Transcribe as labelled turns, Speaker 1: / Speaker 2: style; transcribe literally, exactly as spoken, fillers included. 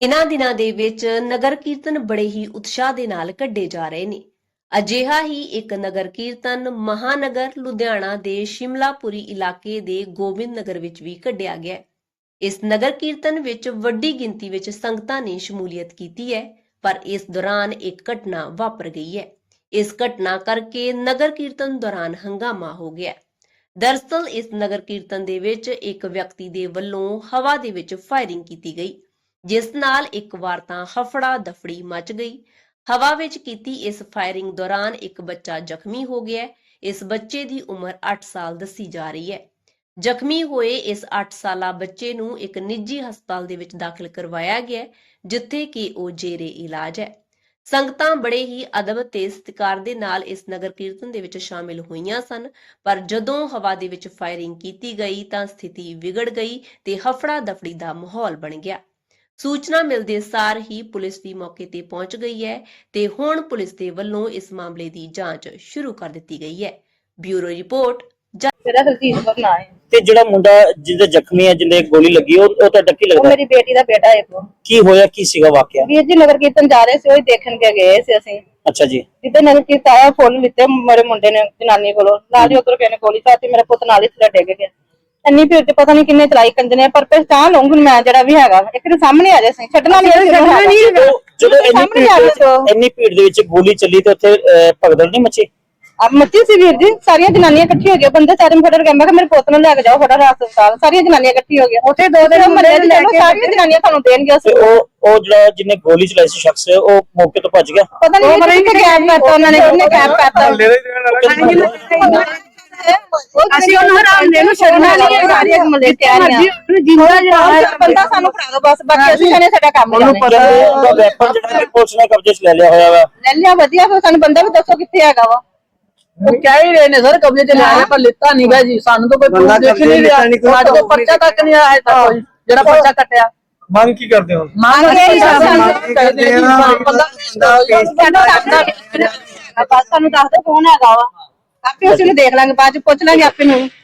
Speaker 1: ਇਨ੍ਹਾਂ ਦਿਨਾਂ ਦੇ ਵਿੱਚ ਨਗਰ ਕੀਰਤਨ ਬੜੇ ਹੀ ਉਤਸ਼ਾਹ ਦੇ ਨਾਲ ਕੱਢੇ ਜਾ ਰਹੇ ਨੇ। ਅਜਿਹਾ ਹੀ ਇੱਕ ਨਗਰ ਕੀਰਤਨ ਮਹਾਨਗਰ ਲੁਧਿਆਣਾ ਦੇ ਸ਼ਿਮਲਾਪੁਰੀ ਇਲਾਕੇ ਦੇ ਗੋਬਿੰਦ ਨਗਰ ਵਿੱਚ ਵੀ ਕੱਢਿਆ ਗਿਆ। ਇਸ ਨਗਰ ਕੀਰਤਨ ਵਿੱਚ ਵੱਡੀ ਗਿਣਤੀ ਵਿੱਚ ਸੰਗਤਾਂ ਨੇ ਸ਼ਮੂਲੀਅਤ ਕੀਤੀ ਹੈ, ਪਰ ਇਸ ਦੌਰਾਨ ਇੱਕ ਘਟਨਾ ਵਾਪਰ ਗਈ ਹੈ। ਇਸ ਘਟਨਾ ਕਰਕੇ ਨਗਰ ਕੀਰਤਨ ਦੌਰਾਨ ਹੰਗਾਮਾ ਹੋ ਗਿਆ। ਦਰਅਸਲ ਇਸ ਨਗਰ ਕੀਰਤਨ ਦੇ ਵਿੱਚ ਇੱਕ ਵਿਅਕਤੀ ਦੇ ਵੱਲੋਂ ਹਵਾ ਦੇ ਵਿੱਚ ਫਾਇਰਿੰਗ ਕੀਤੀ ਗਈ, ਜਿਸ ਨਾਲ ਇੱਕ ਵਾਰ ਤਾਂ ਹਫੜਾ ਦਫੜੀ ਮਚ ਗਈ। ਹਵਾ ਵਿੱਚ ਕੀਤੀ ਇਸ ਫਾਇਰਿੰਗ ਦੌਰਾਨ ਇੱਕ ਬੱਚਾ ਜ਼ਖਮੀ ਹੋ ਗਿਆ। ਇਸ ਬੱਚੇ ਦੀ ਉਮਰ ਅੱਠ ਸਾਲ ਦੱਸੀ ਜਾ ਰਹੀ ਹੈ। ਜ਼ਖਮੀ ਹੋਏ ਇਸ ਅੱਠ ਸਾਲਾ ਬੱਚੇ ਨੂੰ ਇੱਕ ਨਿੱਜੀ ਹਸਪਤਾਲ ਦੇ ਵਿੱਚ ਦਾਖਲ ਕਰਵਾਇਆ ਗਿਆ, ਜਿੱਥੇ ਕਿ ਉਹ ਜੇਰੇ ਇਲਾਜ ਹੈ। ਸੰਗਤਾਂ ਬੜੇ ਹੀ ਅਦਬ ਤੇ ਸਤਿਕਾਰ ਦੇ ਨਾਲ ਇਸ ਨਗਰ ਕੀਰਤਨ ਦੇ ਵਿੱਚ ਸ਼ਾਮਿਲ ਹੋਈਆਂ ਸਨ, ਪਰ ਜਦੋਂ ਹਵਾ ਦੇ ਵਿੱਚ ਫਾਇਰਿੰਗ ਕੀਤੀ ਗਈ ਤਾਂ ਸਥਿਤੀ ਵਿਗੜ ਗਈ ਤੇ ਹਫੜਾ ਦਫੜੀ ਦਾ ਮਾਹੌਲ ਬਣ ਗਿਆ। ਸੂਚਨਾ ਮਿਲਦੇ ਸਾਰ ਹੀ ਪੁਲਿਸ ਵੀ ਮੌਕੇ ਤੇ ਪਹੁੰਚ ਗਈ ਹੈ ਤੇ ਹੁਣ ਪੁਲਿਸ ਦੇ ਵੱਲੋਂ ਇਸ ਮਾਮਲੇ ਦੀ ਜਾਂਚ ਸ਼ੁਰੂ ਕਰ ਦਿੱਤੀ ਗਈ ਹੈ। Bureau report.
Speaker 2: ਮੇਰਾ ਹਰਜੀਤ ਕੌਰ ਨਾਂ ਹੈ
Speaker 3: ਤੇ ਜਿਹੜਾ ਮੁੰਡਾ ਜਿਹਦੇ ਜ਼ਖਮੀ ਹੈ, ਜਿਹਦੇ ਗੋਲੀ ਲੱਗੀ, ਉਹ ਉਹ ਤੁਹਾਡਾ ਕੀ
Speaker 2: ਉਹ
Speaker 3: ਲੱਗਦਾ?
Speaker 2: ਮੇਰੀ ਬੇਟੀ ਦਾ ਬੇਟਾ ਹੈ। ਉਹ
Speaker 3: ਕੀ ਹੋਇਆ, ਕੀ ਸੀਗਾ ਵਾਕਿਆ?
Speaker 2: ਵੀਰ ਜੀ ਨਗਰ ਕੀਰਤਨ ਜਾ ਰਹੇ ਸੀ, ਉਹ ਦੇਖਣ ਕੇ ਗਏ ਸੀ ਅਸੀਂ।
Speaker 3: ਅੱਛਾ ਜੀ।
Speaker 2: ਜਿੱਦੇ ਨਗਰ ਕੀਰਤਨ ਆਇਆ, ਫੁੱਲ ਲਿੱਤੇ ਮੇਰੇ ਮੁੰਡੇ ਨੇ ਜਨਾਨੀ ਕੋਲੋਂ, ਨਾਲ ਹੀ ਉਧਰ ਕਿਨੇ ਗੋਲੀ ਚਾਤੀ, ਮੇਰਾ ਪੁੱਤ ਨਾਲ ਹੀ ਥੱਲੇ ਡਿੱਗ ਗਿਆ। ਇੰਨੀ ਭੀੜ ਚ ਪਤਾ ਨਹੀਂ ਕਿੰਨੇ ਚਲਾਈ ਕੰਜਨੇ, ਪਰ ਪਹਿਚਾਣ ਲਊਂਗੀ ਮੈਂ ਜਿਹੜਾ ਵੀ ਹੈਗਾ। ਇੱਕ ਦੇ ਸਾਹਮਣੇ ਆ ਜਾਏ, ਛੱਡਣਾ ਨਹੀਂ।
Speaker 3: ਜਦੋਂ ਇੰਨੀ ਭੀੜ ਦੇ ਵਿੱਚ ਇੰਨੀ ਭੀੜ ਦੇ ਵਿੱਚ ਗੋਲੀ ਚੱਲੀ ਤੇ ਉੱਥੇ ਭਗਦੜ ਨਹੀਂ ਮੱਚੀ?
Speaker 2: ਆ ਮੱਚੀ ਸੀ ਵੀਰ ਜੀ, ਸਾਰੀਆਂ ਜਨਾਨੀਆਂ ਇਕੱਠੀ ਹੋ ਗਈਆਂ, ਬੰਦੇ ਸਾਰੇ ਫਟੜ ਗਏ। ਮੈਂ ਕਿਹਾ ਮੇਰੇ ਪੁੱਤ ਨੂੰ ਲੈ ਕੇ ਜਾਓ ਫਟੜ ਹਸਪਤਾਲ। ਸਾਰੀਆਂ ਜਨਾਨੀਆਂ ਇਕੱਠੀ ਹੋ ਗਈਆਂ ਉੱਥੇ, ਦੋ ਦਿਨ ਮੱਲੇ ਲੈ ਕੇ ਸਾਰੀਆਂ ਜਨਾਨੀਆਂ ਤੁਹਾਨੂੰ ਦੇਣਗੇ।
Speaker 3: ਤੇ ਉਹ ਉਹ ਜਿਹੜਾ ਜਿਹਨੇ ਗੋਲੀ ਚਲਾਈ ਸੀ ਸ਼ਖਸ, ਉਹ ਮੌਕੇ ਤੋਂ ਭੱਜ ਗਿਆ।
Speaker 2: ਪਤਾ ਨਹੀਂ ਕਿੱਥੇ ਗਾਇਬ ਕਰਤਾ ਉਹਨਾਂ ਨੇ, ਕਿੰਨੇ ਗਾਇਬ ਕਰਤਾ। ਅਸੀਂ ਉਹਨਾਂ ਹਰਾਮਦੇ ਨੂੰ ਛੱਡਣਾ ਨਹੀਂ ਹੈ। ਸਾਰੀਆਂ ਮੱਲੇ ਤਿਆਰੀਆਂ ਜਿੰਦਾ ਜਿਹੜਾ ਬੰਦਾ ਸਾਨੂੰ ਫੜਾ ਦੋ ਬਸ, ਬਾਕੀ ਅਸੀਂ ਕਹਿੰਦੇ ਸਾਡਾ ਕੰਮ
Speaker 3: ਉਹਨੂੰ ਪਤਾ ਉਹਦਾ ਵੈਪਨ ਜਿਹੜਾ ਪੁਲਿਸ ਨੇ ਕਬਜ਼ੇ 'ਚ ਲੈ ਲਿਆ ਹੋਇਆ ਵਾ।
Speaker 2: ਲੈ ਲਿਆ, ਵਧੀਆ। ਫਿਰ ਸਾਨੂੰ ਬੰਦਾ ਵੀ ਦੱਸੋ ਕਿੱਥੇ ਹੈਗਾ ਵਾ।
Speaker 4: ਉਹ ਕਹਿ ਹੀ ਰਹੇ ਨੇ ਸਰ ਕਬਜ਼ੇ 'ਚ ਲਿਆ, ਪਰ ਲਿੱਤਾ ਨਹੀਂ ਗਾ ਜੀ। ਸਾਨੂੰ ਤਾਂ ਕੋਈ ਪ੍ਰੂਫ ਦੇਖ ਨਹੀਂ ਰਿਹਾ, ਸਾਡੇ ਕੋਲ ਪਰਚਾ ਤੱਕ ਨਹੀਂ ਆਇਆ ਤੱਕ ਕੋਈ ਜਿਹੜਾ ਪਰਚਾ ਕੱਟਿਆ।
Speaker 5: ਮੰਗ ਕੀ ਕਰਦੇ ਹੋ?
Speaker 4: ਮੰਗ ਇਹ
Speaker 2: ਬਸ ਸਾਨੂੰ ਦੱਸ ਦੋ ਕੌਣ ਹੈਗਾ ਵਾ, ਆਪੇ ਅਸੀਂ ਨੂੰ ਦੇਖ ਲਾਂਗੇ, ਬਾਅਦ ਚ ਪੁੱਛ ਲਾਂਗੇ ਆਪੇ ਨੂੰ।